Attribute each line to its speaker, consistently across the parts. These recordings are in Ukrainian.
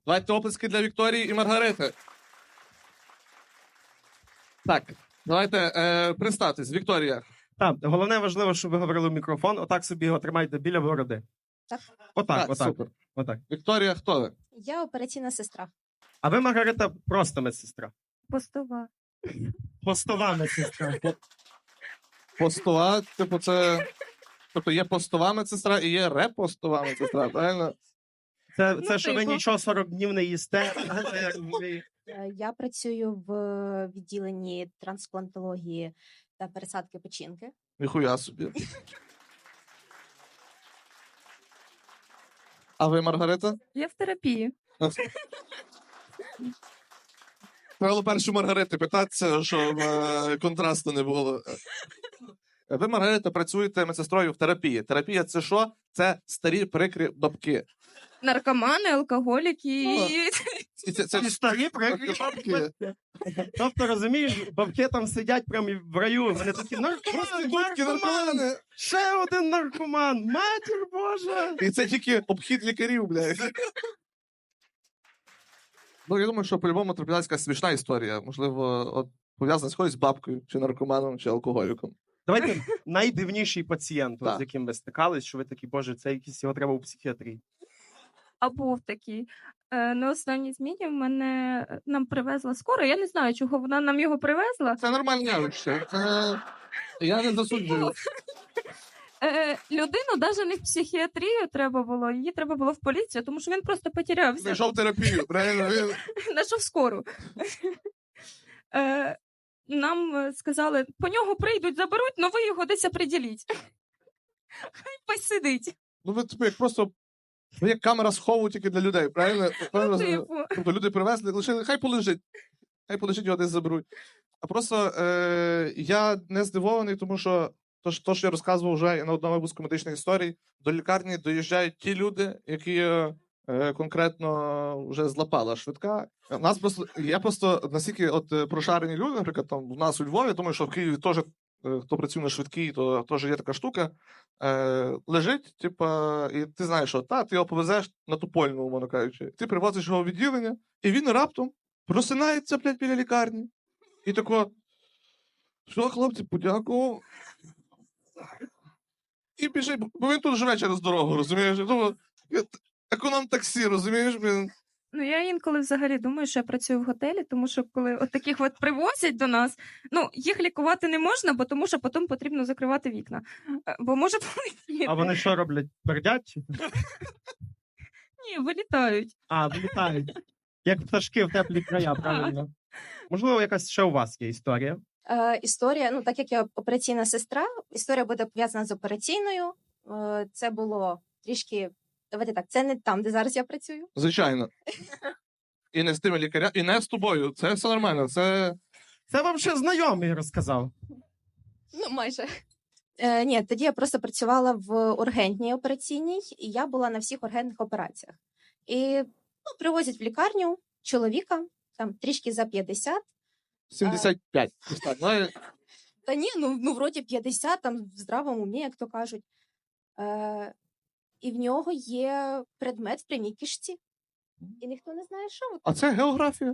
Speaker 1: Давайте оплески для Вікторії і Маргарити. Так, давайте представтесь. Вікторія.
Speaker 2: Так, головне важливо, щоб ви говорили в мікрофон. Отак собі його тримайте біля бороди.
Speaker 3: Так.
Speaker 2: Отак.
Speaker 1: Супер.
Speaker 2: Отак.
Speaker 1: Вікторія, хто ви?
Speaker 3: Я операційна сестра.
Speaker 2: А ви, Маргарита, просто медсестра.
Speaker 3: Постова.
Speaker 2: Постова медсестра.
Speaker 1: Постова, типу, це... Тобто є постова медсестра і є репостова медсестра, правильно?
Speaker 2: Це що ви нічого 40 днів не їсте.
Speaker 3: Я працюю в відділенні трансплантології та пересадки печінки.
Speaker 1: Ніхуя собі. А ви, Маргарита?
Speaker 4: Я в терапії.
Speaker 1: Треба першу Маргарити питатися, щоб контрасту не було. Ви, Маргарита, працюєте медсестрою в терапії. Терапія – це що? Це старі прикрі бабки.
Speaker 4: Наркомани, алкоголіки
Speaker 1: І це
Speaker 2: І старі прикрі бабки. Тобто, розумієш, бабки там сидять прямо в раю. Вони такі, наркоман! Ще один наркоман! Матір Божа!
Speaker 1: І це тільки обхід лікарів, блядь. Ну, я думаю, що по-любому траплялася якась смішна історія. Можливо, от пов'язана з якоюсь бабкою, чи наркоманом, чи алкоголіком.
Speaker 2: Давайте найдивніший пацієнт,
Speaker 1: Так.
Speaker 2: з яким ви стикались, що ви такі, боже, це якийсь, його треба у психіатрії.
Speaker 4: А був такий. На останній зміні нам привезла скоро. Я не знаю, чого вона нам його привезла.
Speaker 1: Це нормальне явище. Я не засуджую.
Speaker 4: Людину навіть не в психіатрію треба було, її треба було в поліцію, тому що він просто потерявся.
Speaker 1: Знайшов терапію, правильно?
Speaker 4: Знайшов скору. Нам сказали, по нього прийдуть, заберуть, але ви його десь оприділіть. Хай посидить.
Speaker 1: Ну, ви типу, як просто... Ви як камера схову тільки для людей, правильно?
Speaker 4: Типу.
Speaker 1: Тобто люди привезли, лишили, хай полежить. Хай полежить, його десь заберуть. А просто я не здивований, тому що то, що я розказував вже на одному випуску медичних історій, до лікарні доїжджають ті люди, які конкретно вже злапала швидка. Я просто настільки прошарені люди, наприклад, там в нас у Львові, думаю, що в Києві теж, хто працює на швидкій, то теж є така штука. Лежить, типа, і ти знаєш, що ти його повезеш на Тупольну, умовно кажучи. Ти привозиш його в відділення, і він раптом просинається, блядь, біля лікарні. І тако, що, хлопці, подякував. І біжить, бо він тут живе через дорогу, розумієш? Думаю, економ-таксі, розумієш, блін.
Speaker 4: Ну, я інколи взагалі думаю, що я працюю в готелі, тому що коли от таких от привозять до нас, ну, їх лікувати не можна, бо тому що потім потрібно закривати вікна. Бо може полетіти.
Speaker 2: А вони що роблять? Пердять?
Speaker 4: Ні, вилітають.
Speaker 2: А, вилітають. Як пташки в теплі края, правильно. Можливо, якась ще у вас є історія?
Speaker 3: Історія, ну так як я операційна сестра, історія буде пов'язана з операційною. Це було трішки, давайте так, це не там, де зараз я працюю.
Speaker 1: Звичайно. І не з тими лікарями, і не з тобою. Це все нормально. Це
Speaker 2: вам ще знайомий розказав.
Speaker 3: Ну, майже. Ні, тоді я просто працювала в ургентній операційній, і я була на всіх ургентних операціях. І привозять в лікарню чоловіка, там трішки за 50.
Speaker 1: 75. Так, ну,
Speaker 3: Та ні, ну вроді 50, там в здравому умі, як то кажуть. І в нього є предмет в прямій кишці. І ніхто не знає, що.
Speaker 1: а це географія.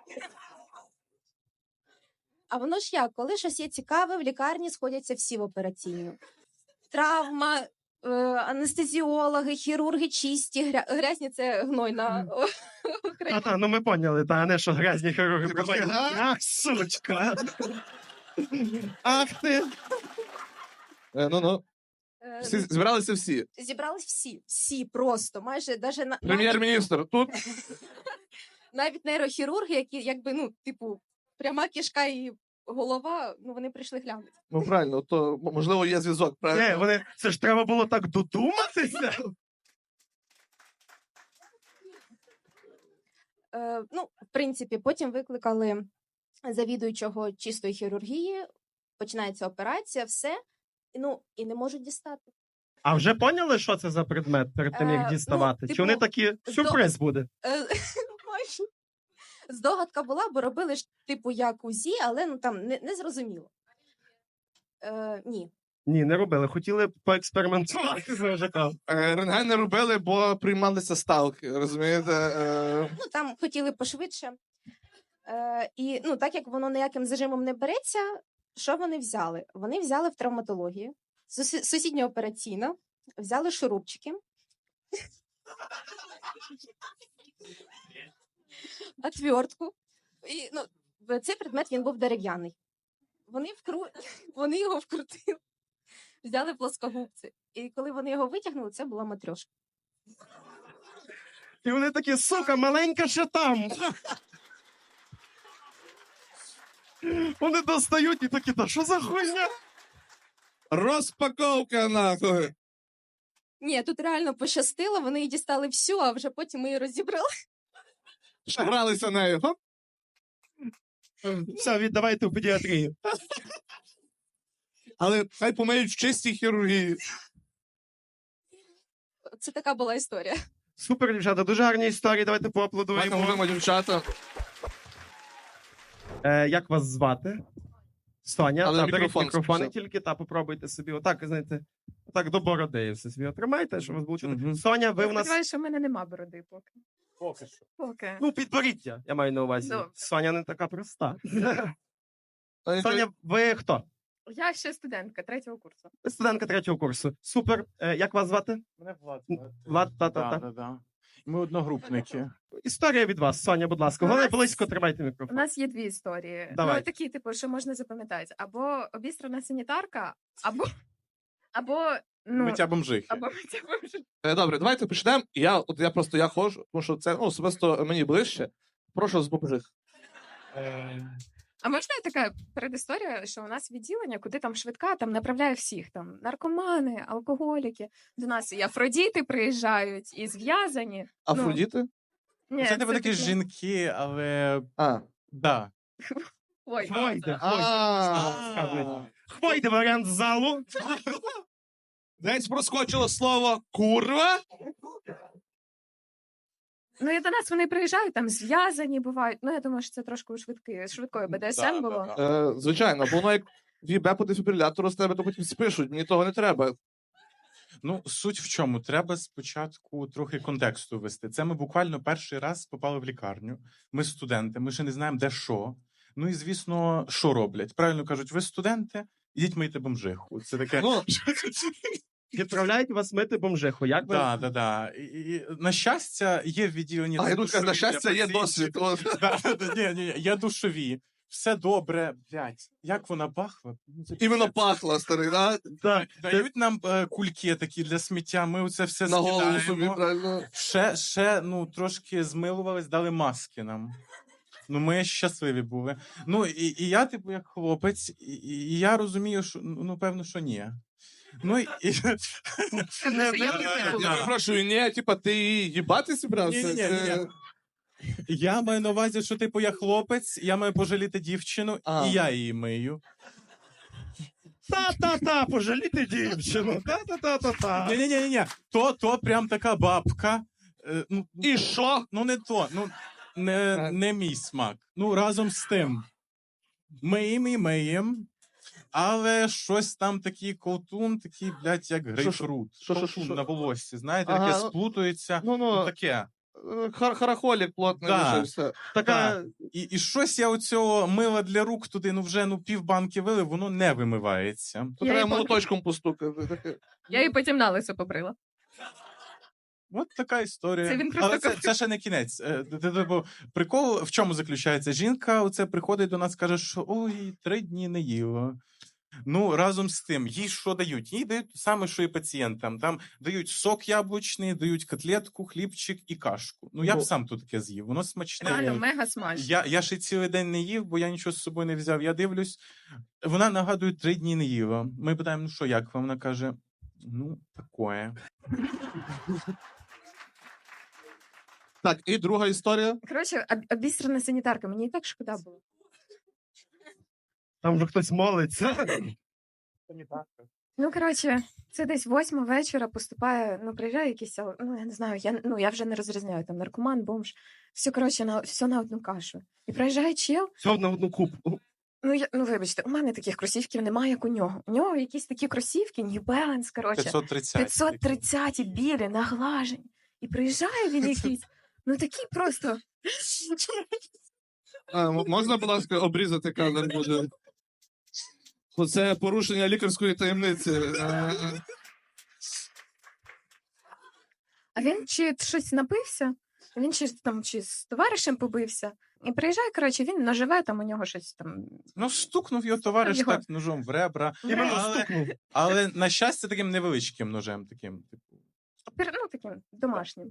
Speaker 3: А воно ж як, коли щось є цікаве, в лікарні сходяться всі в операційну. Травма, анестезіологи, хірурги чисті, грязні – це гнойна.
Speaker 2: Ну ми поняли, а не що грязні хірурги.
Speaker 1: Ти просто,
Speaker 2: Ах, сучка! Ах ти!
Speaker 1: Ну. Збиралися всі.
Speaker 3: Зібрались всі просто, майже навіть
Speaker 1: Прем'єр-міністр тут.
Speaker 3: навіть нейрохірурги, які якби, ну, типу, пряма кишка і голова, ну, вони прийшли глянути.
Speaker 1: Ну, правильно, то, можливо, є зв'язок, правильно?
Speaker 2: Це ж треба було так додуматися.
Speaker 3: Ну, в принципі, потім викликали завідуючого чистої хірургії, починається операція, все, ну, і не можуть дістати.
Speaker 2: А вже поняли, що це за предмет перед тим, як діставати?
Speaker 3: Ну,
Speaker 2: Чи вони такі, сюрприз буде?
Speaker 3: Майже. Здогадка була, бо робили ж, типу, як УЗІ, але ну, там не зрозуміло. Ні.
Speaker 2: Ні, не робили. Хотіли поекспериментувати з ВЖК.
Speaker 1: Рентген не робили, бо приймалися ставки, розумієте?
Speaker 3: Ну, там хотіли пошвидше. І ну, так як воно ніяким зажимом не береться, що вони взяли? Вони взяли в травматології, сусідня операційна, взяли шурупчики, отвертку. І, ну, цей предмет він був дерев'яний. Вони його вкрутили, взяли плоскогубці. І коли вони його витягнули, це була матрьошка.
Speaker 2: І вони такі, сука, маленька ще там. Вони достають і такі, та що за хуйня?
Speaker 1: Розпаковка, нахуй!
Speaker 3: Ні, тут реально пощастило, вони її дістали всю, а вже потім ми її розібрали.
Speaker 1: Ще гралися нею. Хоп.
Speaker 2: Все, віддавайте в педіатрію.
Speaker 1: Але хай помиють в чистій хірургії.
Speaker 3: Це така була історія.
Speaker 2: Супер, дівчата, дуже гарні історії, давайте
Speaker 1: Давайте
Speaker 2: поаплодуємо.
Speaker 1: мовимо, дівчата.
Speaker 2: Як вас звати? Соня,
Speaker 1: Але
Speaker 2: та, беріть
Speaker 1: мікрофон
Speaker 2: мікрофони
Speaker 1: спочатку.
Speaker 2: тільки, та попробуйте собі. Отак, знаєте, отак до бороди все собі отримайте, щоб вас було чути.
Speaker 1: Мгм.
Speaker 2: Соня, ви в нас...
Speaker 5: Сподіваюсь, що в мене нема бороди поки.
Speaker 6: Поки що.
Speaker 5: Поки.
Speaker 2: Ну, підборіття, я маю на увазі.
Speaker 5: Добре.
Speaker 2: Соня не така проста.
Speaker 1: Соня,
Speaker 2: Соня, ви хто?
Speaker 5: Я ще студентка 3-го курсу.
Speaker 2: Ви студентка 3-го курсу. Супер. Як вас звати?
Speaker 6: Мене Влад.
Speaker 2: Влад, та-та-та.
Speaker 6: Да. Ми одногрупники.
Speaker 2: Історія від вас, Соня, будь ласка.
Speaker 5: У
Speaker 2: Головне,
Speaker 5: нас-
Speaker 2: близько тримайте
Speaker 5: У
Speaker 2: мікрофон.
Speaker 5: нас є дві історії.
Speaker 2: Давай.
Speaker 5: Ну, такі, типу, що можна запам'ятати. Або обістрана санітарка, або ну,
Speaker 6: Миття бомжихи.
Speaker 5: або миття бомжа.
Speaker 1: Добре, давайте почнемо. Я ходжу, тому що це особисто мені ближче. Прошу з бомжих.
Speaker 5: А можна така передісторія, що у нас відділення, куди там швидка, там направляє всіх, там наркомани, алкоголіки. До нас і афродіти приїжджають, і зв'язані.
Speaker 1: Афродіти?
Speaker 5: Ні,
Speaker 6: Це типу такі
Speaker 5: таке-
Speaker 6: жінки, але
Speaker 1: А.
Speaker 6: да.
Speaker 5: Ой,
Speaker 2: Хвойде,
Speaker 1: А.
Speaker 2: Хвойде варіант з залу.
Speaker 1: Десь проскочило слово курва.
Speaker 5: ну і до нас вони приїжджають, там зв'язані бувають. Ну, я думаю, що це трошки у швидкої БДСМ
Speaker 6: Да,
Speaker 5: було.
Speaker 6: да.
Speaker 1: Звичайно, бо воно як в'їбе по дефібрилятору з тебе, то потім спишуть. Мені того не треба.
Speaker 6: Ну, суть в чому? Треба спочатку трохи контексту ввести. Це ми буквально перший раз попали в лікарню. Ми студенти, ми ще не знаємо, де що. Ну і, звісно, що роблять? Правильно кажуть, ви студенти, ідіть мийте бомжиху. Це таке.
Speaker 1: Ну,
Speaker 2: Відправляють вас мити бомжиху. Як ви?
Speaker 6: Да. І, на щастя, є в відділенні.
Speaker 1: а я тут кажу, на
Speaker 6: душові
Speaker 1: щастя,
Speaker 6: для
Speaker 1: є
Speaker 6: пацієнтів.
Speaker 1: досвід. От.
Speaker 6: Ні, є душові. Все добре, блядь. Як вона пахла? Ну, це
Speaker 1: Іменно
Speaker 6: пиздець.
Speaker 1: пахло, старий, да?
Speaker 2: Так.
Speaker 6: Дають нам кульки такі для сміття, ми оце все
Speaker 1: На голову собі,
Speaker 6: скидаємо.
Speaker 1: правильно.
Speaker 6: Ще, ну, трошки змилувались, дали маски нам. Ну, ми щасливі були. Ну, і я, типу, як хлопець, і я розумію, що, ну, певно, що ні. Ну, і...
Speaker 1: Я перепрошую, ні, типа, ти їбати зібрався?
Speaker 6: Ні. Я маю на увазі, що, типу, я хлопець, я маю пожаліти дівчину,
Speaker 1: А.
Speaker 6: і я її мию.
Speaker 2: Та-та-та, пожаліти дівчину. Та-та-та-та-та.
Speaker 6: Ні. То прям така бабка. Ну,
Speaker 1: І що?
Speaker 6: ну, не то, ну, не мій смак. Ну, разом з тим. Миєм, але щось там такий колтун, такий, блядь, як грейпфрут.
Speaker 1: Що?
Speaker 6: Колтун на волоссі, знаєте,
Speaker 1: Ага,
Speaker 6: таке
Speaker 1: ну,
Speaker 6: сплутується.
Speaker 1: Ну,
Speaker 6: Таке.
Speaker 1: харахолік плотний
Speaker 6: Да.
Speaker 1: лишився.
Speaker 2: Така...
Speaker 6: І щось я оцього мила для рук туди, ну вже півбанки вилив, воно не вимивається.
Speaker 1: То
Speaker 5: Я
Speaker 1: треба
Speaker 5: її
Speaker 1: молоточком постукати. Таке.
Speaker 5: Я її потім на лисо побрила.
Speaker 6: От така історія.
Speaker 5: Це він просто
Speaker 6: Але це ще не кінець. Типу, прикол в чому заключається? Жінка оце приходить до нас, каже, що ой, 3 дні не їла. Ну, разом з тим, їй що дають? Їй дають те саме, що і пацієнтам. Там дають сок яблучний, дають котлетку, хлібчик і кашку. Ну, я б сам тут таке з'їв. Воно смачне.
Speaker 5: Реально, мега смачно.
Speaker 6: Я ще цілий день не їв, бо я нічого з собою не взяв. Я дивлюсь, вона нагадує 3 дні не їла. Ми питаємо, ну що, як вам? Вона каже, ну, такое.
Speaker 1: Так, і друга історія.
Speaker 5: Коротше, обістрана санітарка, мені і так шкода було.
Speaker 2: Там вже хтось молиться.
Speaker 5: Ну, коротше, це десь 8 вечора поступає, ну, приїжджає якийсь, ну, я не знаю, я вже не розрізняю, там, наркоман, бомж, все, коротше, все на одну кашу. І приїжджає чел,
Speaker 2: Все на одну кубку.
Speaker 5: Ну, вибачте, у мене таких кросівків немає, як у нього. У нього якісь такі кросівки, New Balance, коротше.
Speaker 6: 530.
Speaker 5: 530 білі, наглажені. І приїжджає він якийсь, ну такий просто.
Speaker 1: Можна, будь ласка, обрізати кадр буде? Бо це порушення лікарської таємниці.
Speaker 5: А він чи щось напився, він чи з товаришем побився. І приїжджає, коротше, він наживе, там у нього щось там.
Speaker 6: Ну, стукнув його товариш
Speaker 5: Його.
Speaker 6: так ножом в ребра.
Speaker 2: Іменно
Speaker 6: Але,
Speaker 2: стукнув.
Speaker 6: але, на щастя, таким невеличким ножем. Таким, типу,
Speaker 5: Ну, таким домашнім.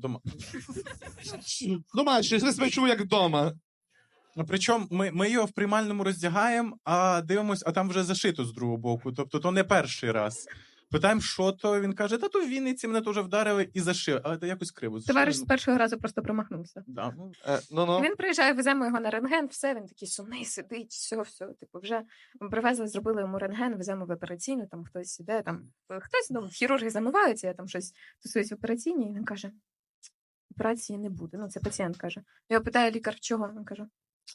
Speaker 1: Домашній, я себе чув як вдома.
Speaker 6: Ну, причому ми його в приймальному роздягаємо, а дивимось, а там вже зашито з другого боку. Тобто то не перший раз. Питаємо, що то, він каже, та то в Вінниці мене теж вдарили і зашили. Але це якось криво.
Speaker 5: Товариш з першого разу просто промахнувся.
Speaker 6: Да, ну,
Speaker 1: Ну-ну.
Speaker 5: Він приїжджає, веземо його на рентген, все, він такий сумний, сидить, все, типу, вже привезли, зробили йому рентген, веземо в операційну, там хтось іде, там хтось, ну, хірурги замиваються, я там щось тусуюсь в операційній, і він каже, операції не буде. Ну, це пацієнт каже. Його питає лікар, чого? Він каже,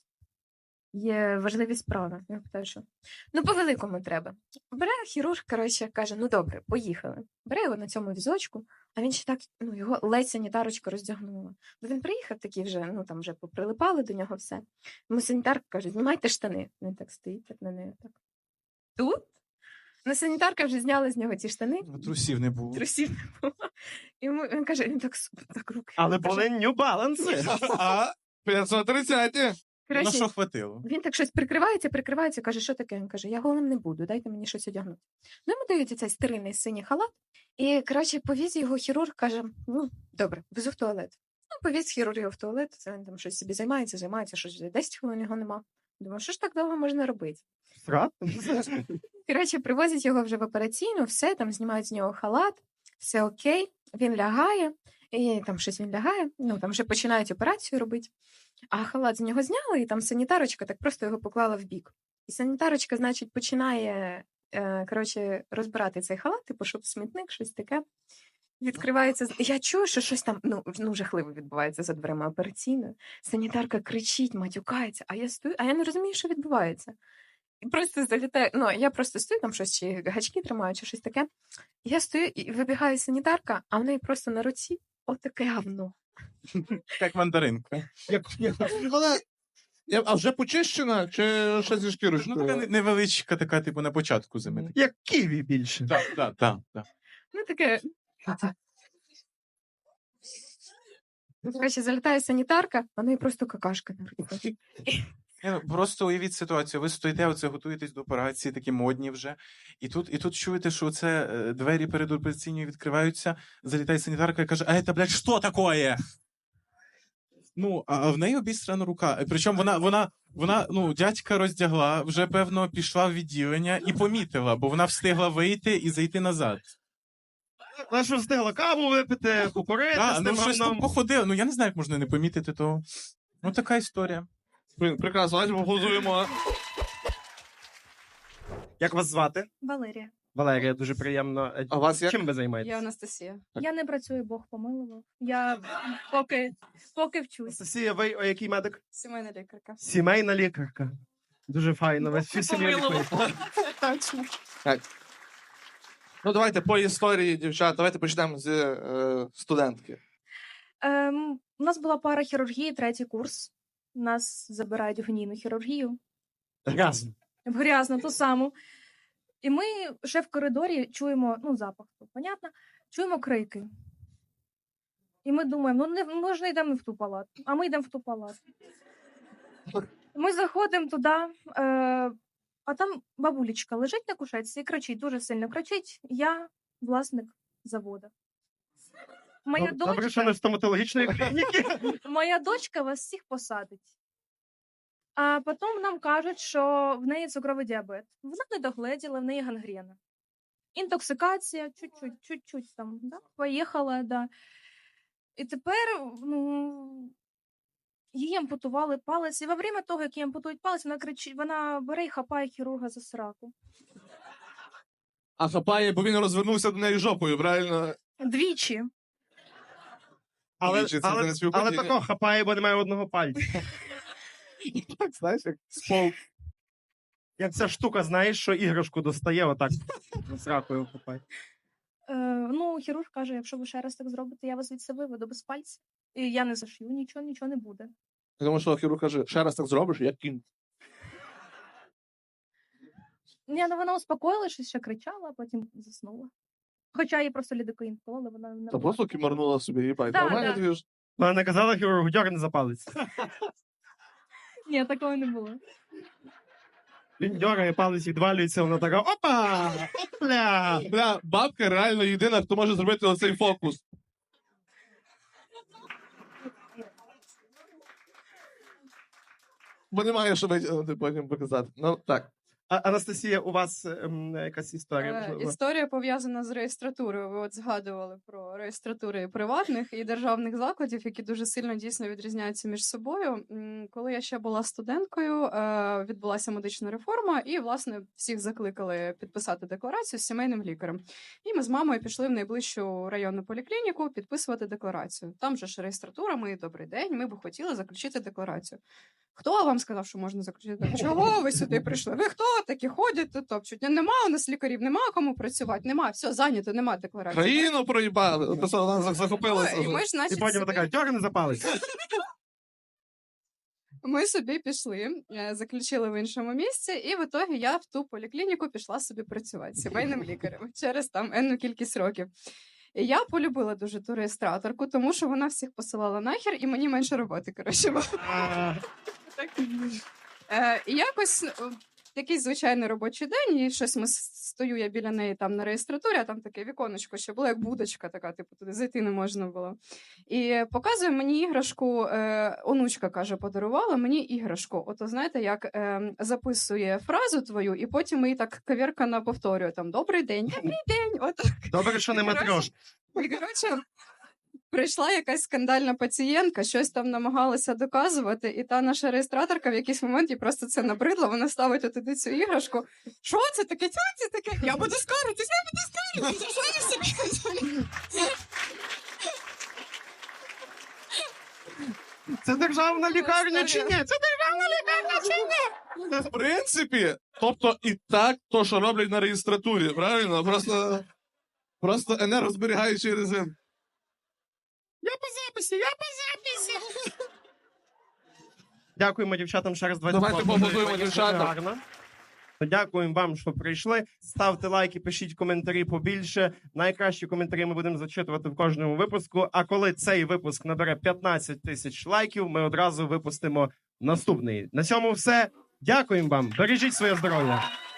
Speaker 5: є важливі справи. Я питаю, що? Ну, по-великому треба. Бере хірург, коротше, каже, ну добре, поїхали. Бере його на цьому візочку, а він ще так, ну, його ледь санітарочка роздягнула. Бо він приїхав такий вже, ну, там вже поприлипали до нього все. Йому санітарка каже, знімайте штани. Він так стоїть, так на неї, так. Тут? Ну, санітарка вже зняла з нього ці штани.
Speaker 6: трусів не було.
Speaker 5: Трусів не було. Йому, він каже, він так руки.
Speaker 2: Але
Speaker 5: Він каже,
Speaker 2: були New Balance.
Speaker 1: А, 530.
Speaker 6: На
Speaker 5: коротше,
Speaker 6: що хватило?
Speaker 5: він так щось прикривається, каже, що таке? Він каже, я голим не буду, дайте мені щось одягнути. Ну, йому дають цей стерильний синій халат, і, коротше, повіз його хірург, каже, ну, добре, везу в туалет. Ну, повіз хірург його в туалет, це він там щось собі займається, щось 10 хвилин його нема. Думаю, що ж так довго можна робити?
Speaker 2: Срат?
Speaker 5: Коротше, привозять його вже в операційну, все, там знімають з нього халат, все окей, він лягає, і там щось він лягає, ну, там вже починають операцію робити. А халат з нього зняли, і там санітарочка так просто його поклала в бік. І санітарочка, значить, починає коротше, розбирати цей халат, типу, щоб смітник, щось таке. Відкривається. Я чую, що щось там ну, жахливо відбувається за дверима операційної. Санітарка кричить, матюкається, а я стою, а я не розумію, що відбувається. І просто залітаю, ну, я просто стою, там щось, чи гачки тримаю, чи щось таке. Я стою, і вибігає санітарка, а в неї просто на руці отаке говно.
Speaker 6: Як мандаринка.
Speaker 1: А вже почищена, чи ще зі
Speaker 6: Ну,
Speaker 1: шкірочкою?
Speaker 6: така невеличка, така, типу, на початку зими.
Speaker 2: Як ківі більше.
Speaker 6: Так.
Speaker 5: Ну, таке. Короче, залітає санітарка, а в неї просто какашка на руці.
Speaker 6: Просто уявіть ситуацію. Ви стоїте, оце готуєтесь до операції, такі модні вже. І тут чуєте, що це двері перед операційною відкриваються, залітає санітарка і каже, а це, блядь, що таке? Ну, а в неї обістрана рука. Причому вона, ну, дядька роздягла, вже, певно, пішла в відділення і помітила, бо вона встигла вийти і зайти назад.
Speaker 2: Вона що встигла каву випити, покурити з
Speaker 6: Ну,
Speaker 2: тим
Speaker 6: щось там
Speaker 2: говном.
Speaker 6: походило. Ну, я не знаю, як можна не помітити того. Ну, така історія.
Speaker 1: Прекрасно, давайте поаплодуємо.
Speaker 2: Як вас звати?
Speaker 4: Валерія.
Speaker 2: Валерія, дуже приємно.
Speaker 1: А вас як?
Speaker 2: Чим ви займаєтесь?
Speaker 7: Я Анастасія.
Speaker 4: Я не працюю, Бог помилував. Я поки вчусь.
Speaker 2: Анастасія, ви який медик?
Speaker 7: Сімейна лікарка.
Speaker 2: Сімейна лікарка. Дуже файно. Ви всю сім'ю лікуєте.
Speaker 1: Так. Ну, давайте по історії, дівчат. Давайте почнемо з студентки.
Speaker 4: У нас була пара хірургії, 3-й курс. Нас забирають в гнійну хірургію.
Speaker 2: Разом.
Speaker 4: В грязну, ту саму. І ми ще в коридорі чуємо, ну, запах, то понятно, чуємо крики. І ми думаємо, ми ж не йдемо в ту палату, а ми йдемо в ту палату. Ми заходимо туди, а там бабулечка лежить на кушетці і кричить, дуже сильно кричить, я власник заводу. Моя
Speaker 2: Добре, що не стоматологічної клініки.
Speaker 4: Моя дочка вас всіх посадить. А потім нам кажуть, що в неї цукровий діабет. Вона не догледіла, в неї гангрена. Інтоксикація, чуть-чуть там, да? Поїхала, да. І тепер, ну, їй ампутували палець. І во время того, як їй ампутують палець, вона кричить, вона бере і хапає хірурга за сраку.
Speaker 1: А хапає, бо він розвернувся до неї жопою, правильно?
Speaker 4: Двічі.
Speaker 2: Але
Speaker 1: Двічі, це не співпадіння.
Speaker 2: тако хапає, бо немає одного пальця.
Speaker 1: Так, знаєш, як спол.
Speaker 2: Як ця штука, знаєш, що іграшку достає, отак з ракою купає.
Speaker 4: Ну, хірург каже, якщо ви ще раз так зробите, я вас звідси виведу без пальця. І я не зашью, нічого не буде.
Speaker 1: Тому що хірург каже, ще раз так зробиш, як кінь.
Speaker 4: Ні, ну вона успокоїлася, щось ще кричала, а потім заснула. Хоча їй просто лідокаїн вкололи, вона не
Speaker 1: Та просто кімарнула собі, їбать.
Speaker 4: Да,
Speaker 1: Нормально
Speaker 4: да.
Speaker 1: тобі ж.
Speaker 2: Вона не казала хірургу, дьорни за палець.
Speaker 4: Ні, такого не було.
Speaker 2: Він дьоргає, палець відвалюється, вона така, опа! Опля!
Speaker 1: Бля, бабка реально єдина, хто може зробити оцей фокус. Бо немає, що витягнути потім показати. Ну, так.
Speaker 2: Анастасія, у вас якась історія? можливо?
Speaker 7: Історія пов'язана з реєстратурою. Ви от згадували про реєстратури приватних і державних закладів, які дуже сильно дійсно відрізняються між собою. Коли я ще була студенткою, відбулася медична реформа, і власне всіх закликали підписати декларацію з сімейним лікарем. І ми з мамою пішли в найближчу районну поліклініку підписувати декларацію. Там же ж реєстратура, ми добрий день, ми б хотіли заключити декларацію. Хто вам сказав, що можна заключити? Чого ви сюди прийшли? Ви хто такі ходять тут топчуть? Нема у нас лікарів, нема кому працювати, нема, все, зайнято, нема декларації.
Speaker 1: Країну проїбали. От це вона захопилася.
Speaker 7: І ми ж,
Speaker 2: І
Speaker 7: значить,
Speaker 2: потім
Speaker 7: собі-
Speaker 2: така, дьорни за палець.
Speaker 7: Ми собі пішли, заключили в іншому місці, і в ітогі я в ту поліклініку пішла собі працювати сімейним лікарем через там енну кількість років. І я полюбила дуже ту реєстраторку, тому що вона всіх посилала нахер, і мені менше роботи, коротше, було. Так. І якось такий звичайний робочий день, і щось стою я біля неї там на реєстратурі, а там таке віконечко ще було, як будочка така, типу, туди зайти не можна було. І показує мені іграшку, онучка, каже, подарувала мені іграшку. Ото, знаєте, як записує фразу твою, і потім її так кавіркано повторює, там, добрий день, отак.
Speaker 2: Добре, що не матрош.
Speaker 7: І, коротше, прийшла якась скандальна пацієнтка, щось там намагалася доказувати, і та наша реєстраторка в якийсь момент їй просто це набридло, вона ставить туди цю іграшку. Що це таке? Що це таке? Я буду скаржитись, що ви собі?
Speaker 2: Це державна лікарня чи ні? Це державна лікарня чи ні?
Speaker 1: В принципі, тобто і так, то, що роблять на реєстратурі, правильно? Просто енергозберігаючий режим.
Speaker 2: Я по записі. Дякуємо дівчатам ще раз.
Speaker 1: Давайте поаплодуємо дівчатам.
Speaker 2: Гарно. Дякуємо вам, що прийшли. Ставте лайки, пишіть коментарі побільше. Найкращі коментарі ми будемо зачитувати в кожному випуску. А коли цей випуск набере 15 тисяч лайків, ми одразу випустимо наступний. На цьому все. Дякуємо вам. Бережіть своє здоров'я.